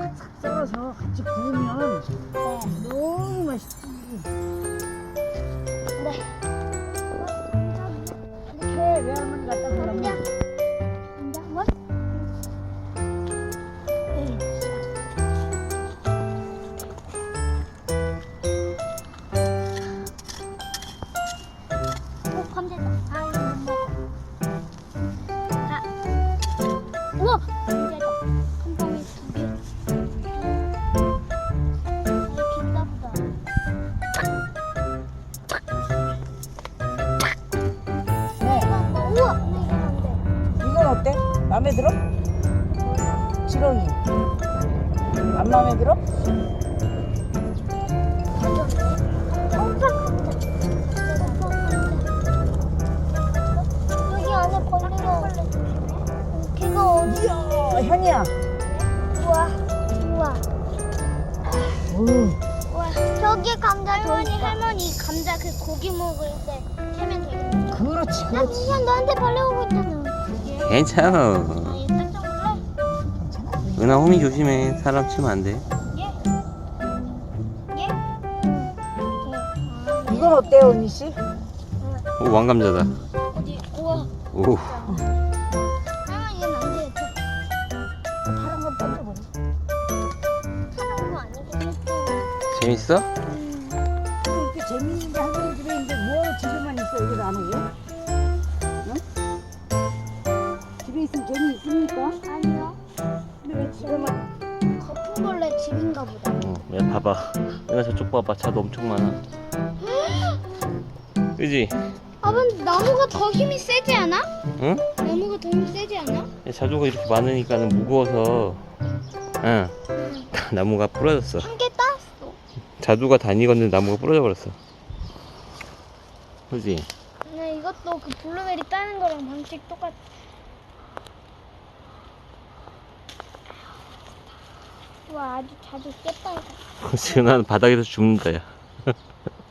싹싹 썰어서 같이 구우면 너무 맛있지. 네. 이렇게 외할머니 갖다 주려면 뭐? 감자다. 아, 이거 못 먹어. 아. 우와! 감자다. 한 방에 2개. 아, 이거 비싸보다. 네. 우와! 근데 이건 안 돼. 이건 어때? 마음에 들어? 지렁이 안 마음에 들어? 여기 안에 벌레가 걔가 어디? 이야 현이야. 우와 우와 오. 우와 저기 감자 할머니 감자 그 고기 먹을 때 캐면 되겠네. 그렇지 나 그렇지. 진짜 너한테 벌레 오고 있잖아. 괜찮아. 아, 얘 깜짝 놀래? 은하 호미 조심해. 사람 치면 안 돼. 얘? 얘? 이건 어때요 은희 씨? 오, 왕감자다. 어디? 우와. 오. 아, 얘는 안 돼. 파란 건 던져버려. 파란 거 아니겠지? 재밌어? 이렇게 재미있는데 할머니 집에 있는데 뭐하러 집에만 있어 여기도 안 오고? 응? 집에 있으면 재미있습니까? 아니요. 근데 왜 집에만? 거품벌레 집인가 보다. 야, 봐봐. 은하 저쪽 봐봐. 차도 엄청 많아. 그지? 아버님 나무가 더 힘이 세지 않아? 응? 나무가 더 힘이 세지 않아? 야, 자두가 이렇게 많으니까는 무거워서, 응. 나무가 부러졌어. 한 개 땄어. 자두가 다니건데 나무가 부러져 버렸어. 그지? 네, 이것도 그 블루베리 따는 거랑 방식 똑같아. 와, 아주 자주 깼다. 지금 나는 바닥에서 죽는다, 야.